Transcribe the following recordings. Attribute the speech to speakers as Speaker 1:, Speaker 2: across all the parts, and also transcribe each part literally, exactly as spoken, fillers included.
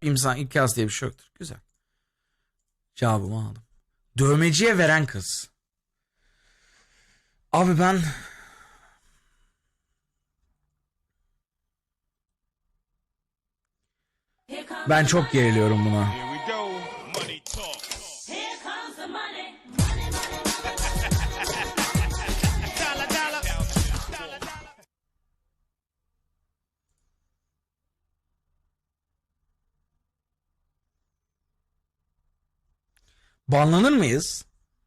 Speaker 1: insan imkansız diye bir şey yoktur. Güzel. Cevabımı aldım. Dövmeciye veren kız. Abi ben ben çok geriliyorum buna. Banlanır mıyız?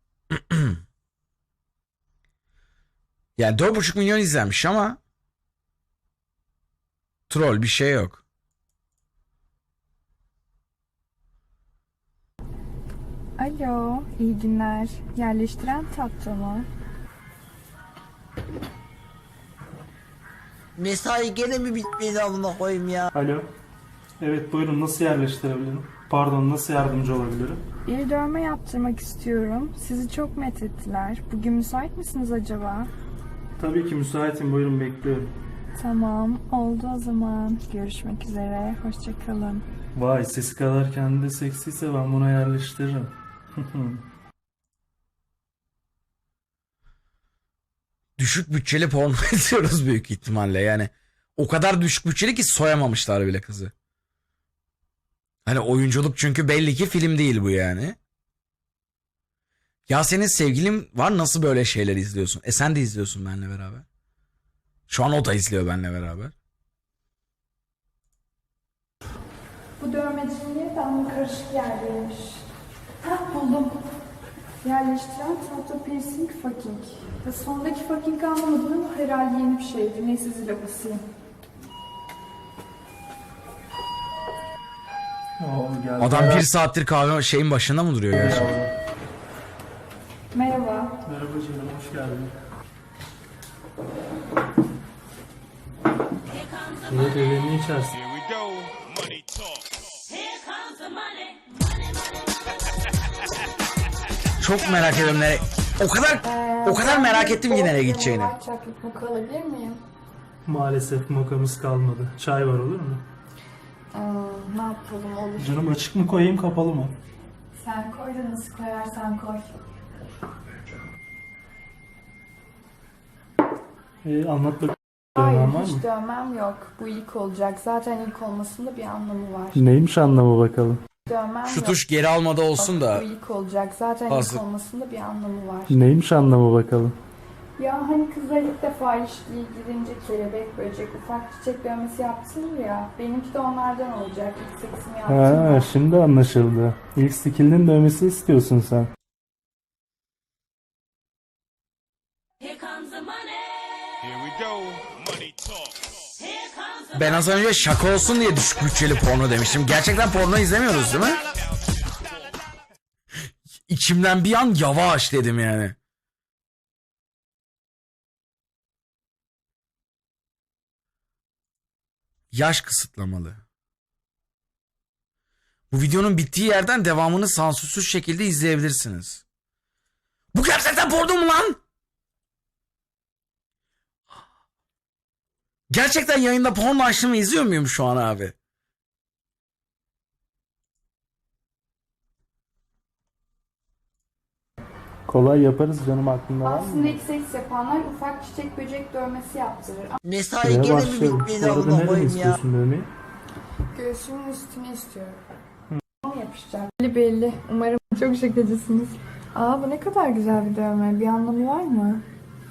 Speaker 1: Yani dört buçuk milyon izlenmiş ama troll bir şey yok.
Speaker 2: Alo, iyi günler. Yerleştiren tatlı mı?
Speaker 3: Mesai gene mi bitmedi amına koyayım ya?
Speaker 4: Alo. Evet buyurun, nasıl yerleştirebilirim? Pardon, nasıl yardımcı olabilirim?
Speaker 2: Bir dövme yaptırmak istiyorum. Sizi çok methettiler. Bugün müsait misiniz acaba?
Speaker 4: Tabii ki müsaitim, buyurun bekliyorum.
Speaker 2: Tamam, oldu o zaman. Görüşmek üzere, hoşçakalın.
Speaker 4: Vay, sesi kadar kendi de seksiyse ben buna yerleştiririm.
Speaker 1: Düşük bütçeli porno izliyoruz büyük ihtimalle yani. O kadar düşük bütçeli ki soyamamışlar bile kızı. Hani oyunculuk çünkü belli ki film değil bu yani. Ya senin sevgilin var, nasıl böyle şeyler izliyorsun? E sen de izliyorsun benimle beraber. Şu an o da izliyor benimle beraber.
Speaker 2: Bu dövmecinin yeri de ama karışık yerdeymiş. Hah, buldum. Yerleştiren tatlı piercing fucking. Ya sondaki fucking anlamadım ama herhalde yeni bir şeydi. Neyse zile basayım.
Speaker 4: Oo, geldi.
Speaker 1: Adam bir saattir kahve şeyin başında mı duruyor gerçekten?
Speaker 2: Merhaba.
Speaker 4: Merhaba canım, hoş geldin. Evet, evini içersin.
Speaker 1: Çok merak ediyorum nereye. O kadar o kadar merak ettim ki nereye gideceğini.
Speaker 2: Chocolate mocha alabilir miyim?
Speaker 4: Maalesef mokamız kalmadı. Çay var, olur mu?
Speaker 2: Aa, ne yapalım olur.
Speaker 4: Canım, açık mı koyayım, kapalı mı?
Speaker 2: Sen koy da nasıl koyarsan koy.
Speaker 4: Ee, anlat bakalım.
Speaker 2: Hayır,
Speaker 4: Dövmen var
Speaker 2: hiç
Speaker 4: mı?
Speaker 2: dövmem yok. Bu ilk olacak. Zaten ilk olmasında bir anlamı var.
Speaker 4: Neymiş anlamı bakalım?
Speaker 2: Dövmem
Speaker 1: Şu
Speaker 2: yok.
Speaker 1: tuş geri almada olsun da.
Speaker 2: Bu ilk olacak. Zaten
Speaker 1: Hazır.
Speaker 2: ilk olmasında bir anlamı var.
Speaker 4: Neymiş anlamı bakalım?
Speaker 2: Ya hani kızlar ilk defa ilişkiye girince kelebek, böcek, ufak çiçek dövmesi yaptırır ya. Benimki de onlardan olacak. İlk seksimi
Speaker 4: Ha,
Speaker 2: yaptım.
Speaker 4: şimdi anlaşıldı. İlk skill'in dövmesi istiyorsun sen.
Speaker 1: Ben az önce şaka olsun diye düşük bütçeli porno demiştim. Gerçekten porno izlemiyoruz değil mi? İçimden bir an yavaş dedim yani. Yaş kısıtlamalı. Bu videonun bittiği yerden devamını sansürsüz şekilde izleyebilirsiniz. Bu gerçekten porno mu lan? Gerçekten yayında porno açtığımı izliyor muyum şu an abi?
Speaker 4: Kolay yaparız canım, aklında var mı?
Speaker 2: Aslında ilk seks yapanlar ufak çiçek, böcek dövmesi yaptırır.
Speaker 3: Mesai
Speaker 4: Şuraya
Speaker 3: gene mi
Speaker 4: başlayalım.
Speaker 3: bitmedi
Speaker 4: Bu arada
Speaker 3: amına
Speaker 4: nereye
Speaker 3: koyayım ya?
Speaker 4: istiyorsun dövmeyi?
Speaker 2: Göğsümün üstüne istiyorum. Hı. Yapışacak. Belli belli. Umarım çok şakacısınız. Aa, bu ne kadar güzel bir dövme. Bir anlamı var mı?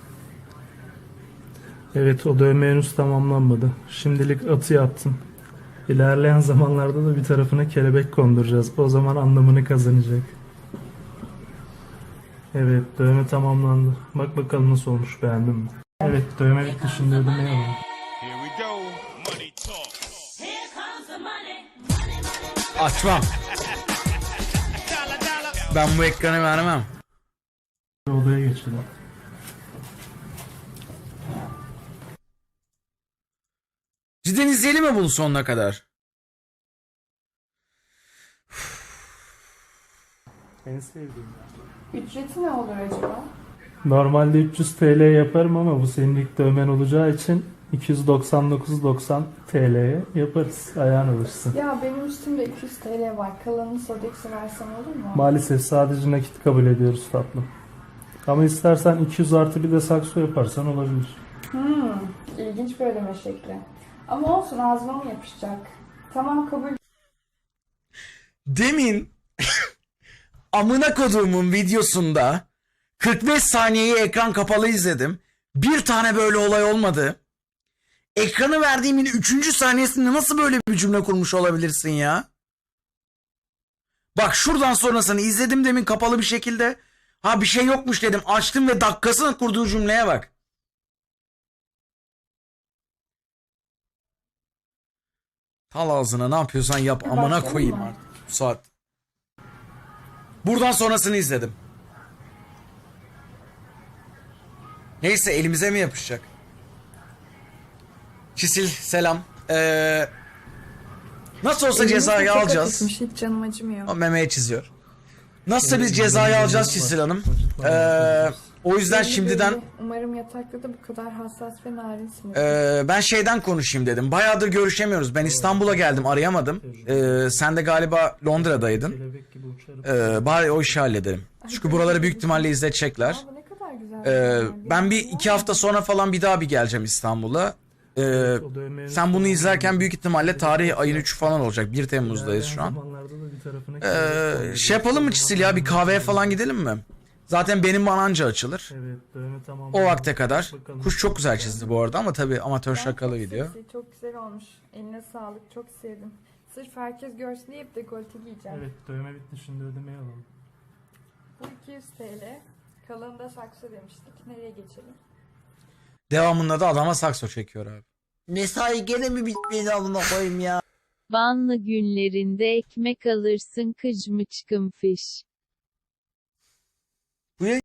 Speaker 4: Evet, o dövme henüz tamamlanmadı. Şimdilik atı yaptım. İlerleyen zamanlarda da bir tarafına kelebek konduracağız. O zaman anlamını kazanacak. Evet, dövme tamamlandı. Bak bakalım nasıl olmuş, beğendin mi? Evet, dövme bitti, şimdi ödemeyi alalım.
Speaker 1: Açmam. Ben bu ekranı vermem.
Speaker 4: Odaya geçelim.
Speaker 1: Cidden izleyelim mi bunu sonuna kadar?
Speaker 4: En sevdiğim.
Speaker 2: Ücreti ne olur acaba?
Speaker 4: Normalde üç yüz T L yaparım ama bu senin ilk dövmen olacağı için iki yüz doksan dokuz doksan T L'ye yaparız. Ayağın alışsın.
Speaker 2: Ya benim üstümde iki yüz T L var. Kalanını Sodex'e versem olur mu?
Speaker 4: Maalesef sadece nakit kabul ediyoruz tatlım. Ama istersen iki yüz artı bir de sakso yaparsan olabilir.
Speaker 2: Hmm, ilginç bir ödeme şekli. Ama olsun, ağzıma mı yapışacak? Tamam, kabul.
Speaker 1: Demin amına koduğumun videosunda kırk beş saniyeyi ekran kapalı izledim. Bir tane böyle olay olmadı. Ekranı verdiğimin üçüncü saniyesinde nasıl böyle bir cümle kurmuş olabilirsin ya? Bak şuradan sonrasını izledim demin kapalı bir şekilde. Ha bir şey yokmuş dedim. Açtım ve dakikasını kurduğu cümleye bak. Tal ağzına ne yapıyorsan yap. Amına
Speaker 2: Başlayalım
Speaker 1: koyayım
Speaker 2: mı?
Speaker 1: artık bu saat. Buradan sonrasını izledim. Neyse elimize mi yapışacak? Çisil selam. Ee, nasıl olsa cezayı
Speaker 2: Elimizde
Speaker 1: alacağız.
Speaker 2: çok hafifmiş, hiç canım acımıyor.
Speaker 1: O memeye çiziyor. Nasıl biz cezayı alacağız Çisil Hanım. Ee, o yüzden
Speaker 2: Belli
Speaker 1: şimdiden
Speaker 2: belli. Umarım yatakta da bu kadar hassas ve narinsin.
Speaker 1: ee, ben şeyden konuşayım dedim. Bayağıdır görüşemiyoruz. Ben İstanbul'a geldim arayamadım. Ee, sen de galiba Londra'daydın.
Speaker 4: Kelebek gibi uçarım.
Speaker 1: Ee, bari o işi halledelim. Çünkü buraları büyük ihtimalle izletecekler.
Speaker 2: Aa, bu ne kadar güzel.
Speaker 1: Ee,
Speaker 2: bir
Speaker 1: ben bir
Speaker 2: yer.
Speaker 1: iki hafta sonra falan bir daha bir geleceğim İstanbul'a. Ee,
Speaker 4: O dövme-
Speaker 1: sen bunu izlerken büyük ihtimalle tarih ayın üçü falan olacak. bir Temmuz'dayız şu an.
Speaker 4: Zamanlarda da bir tarafına
Speaker 1: Ee,
Speaker 4: kelebek
Speaker 1: şey yapalım mı Çisil ya bir kahveye falan gidelim mi? Zaten benim mananca açılır.
Speaker 4: Evet, dövme tamam.
Speaker 1: O vakte kadar.
Speaker 4: Bakalım.
Speaker 1: Kuş çok güzel çizdi bu arada ama tabii amatör
Speaker 2: Ben
Speaker 1: şakalı
Speaker 2: çok
Speaker 1: video.
Speaker 2: seksi, çok güzel olmuş. Eline sağlık, çok sevdim. Sırf herkes görsün diye hep dekolte giyeceğim.
Speaker 4: Evet, dövme bitti, şimdi ödemeyi alalım.
Speaker 2: Bu iki yüz T L. Kalanı da saksı demiştik. Nereye geçelim?
Speaker 1: Devamında da adama sakso çekiyor abi.
Speaker 3: Mesai gene mi bitmedi amına koyayım ya?
Speaker 5: Banlı günlerinde ekmek alırsın kıcmıçkım fiş.